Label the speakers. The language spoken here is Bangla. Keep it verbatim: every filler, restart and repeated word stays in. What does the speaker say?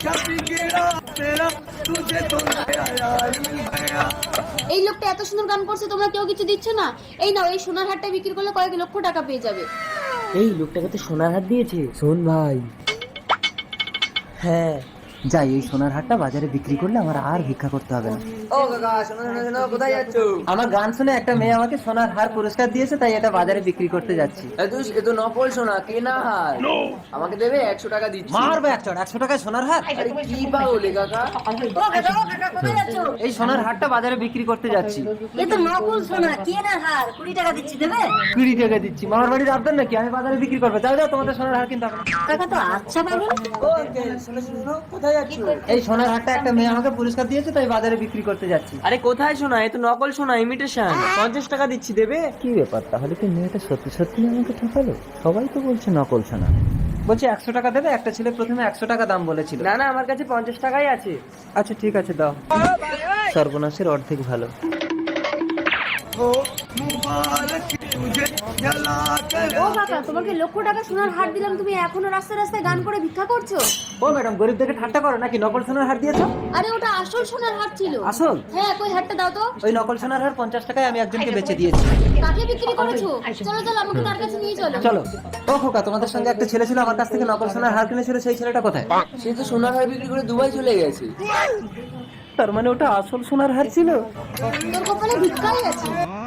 Speaker 1: এই লোকটা এত সুন্দর গান করছে, তোমরা কেউ কিছু দিচ্ছ না? এই নাও, এই সোনার হারটা বিক্রি করলে কয়েক লক্ষ টাকা পেয়ে যাবে।
Speaker 2: এই লোকটাকে তো সোনার হার দিয়েছে। শোন ভাই,
Speaker 3: হ্যাঁ
Speaker 2: যাই এই সোনার হারটা বাজারে বিক্রি করলে আমার আর ভিক্ষা করতে হবে না।
Speaker 3: ও কাকা, শোনো শোনো শোনো, কোথায় যাচ্ছ?
Speaker 2: আমার গান শুনে একটা মেয়ে আমাকে সোনার হার পুরস্কার দিয়েছে, তাই এটা বাজারে বিক্রি করতে যাচ্ছি।
Speaker 3: এ তো এ তো নকল সোনা, কেনা হার। আমাকে দেবে একশো টাকা দিচ্ছি।
Speaker 2: মারবে একশো একশো টাকায় সোনার হার?
Speaker 3: আরে কি পাগলে কাকা?
Speaker 2: এই সোনার হারটা বাজারে বিক্রি করতে যাচ্ছি।
Speaker 4: এ তো নকল সোনা, কেনা হার, কুড়ি টাকা দিচ্ছি, দেবে?
Speaker 2: কুড়ি টাকা দিচ্ছি। মামার বাড়ির আবদার নাকি আমি বাজারে বিক্রি করবো? যাও যাও, তোমাদের সোনার হার কিনতে হবে না।
Speaker 4: টাকা তো আচ্ছা পাবেন।
Speaker 3: ও আঙ্কেল, শোনো শোনো শোনো, কোথায় যাচ্ছ?
Speaker 2: এই সোনার হারটা একটা মেয়ে আমাকে পুরস্কার দিয়েছে, তাই বাজারে বিক্রি করতে যাচ্ছি।
Speaker 3: আরে কোথায় সোনা? এ তো নকল সোনা, ইমিটেশন। পঞ্চাশ টাকা দিচ্ছি, দেবে?
Speaker 2: কি ব্যাপার, তাহলে কি মেয়েটা সত্যি সত্যি আমাকে ঠকালো? সবাই তো বলছে নকল সোনা। বলছে একশো টাকা দেবে। একটা ছেলে প্রথমে একশো টাকা দাম বলেছিল।
Speaker 3: না না, আমার কাছে পঞ্চাশ টাকাই আছে।
Speaker 2: আচ্ছা ঠিক আছে, দাও। সর্বনাশের অর্ধেক ভালো।
Speaker 1: ও কাকা, তোমাকে লক্ষ টাকা সোনার হার দিলাম, তুমি এখনো রাস্তায় রাস্তায় গান করে ভিক্ষা করছো?
Speaker 2: ও ম্যাডাম, গরিবদেরকে ঠাট্টা করো নাকি? নকল সোনার হার দিয়েছো?
Speaker 1: আরে ওটা আসল সোনার হার ছিল।
Speaker 2: আসল?
Speaker 1: হ্যাঁ, কই হারটা দাও তো।
Speaker 2: ওই নকল সোনার হার পঞ্চাশ টাকায় আমি একজনকে বেচে দিয়েছি।
Speaker 1: কাকে বিক্রি করেছো? চলো চলো, আমাকে তার কাছে নিয়ে চলো।
Speaker 2: চলো। ও খোকা, তোমাদের সঙ্গে একটা ছেলে ছিল আমার কাছ থেকে নকল সোনার হার কিনেছিল, সেই ছেলেটা কোথায়?
Speaker 3: সে তো সোনার হার বিক্রি করে দুবাই চলে গেছে।
Speaker 2: তার মানে ওটা আসল সোনার হার ছিল।
Speaker 1: তোর কপালে ভিক্ষাই আছে।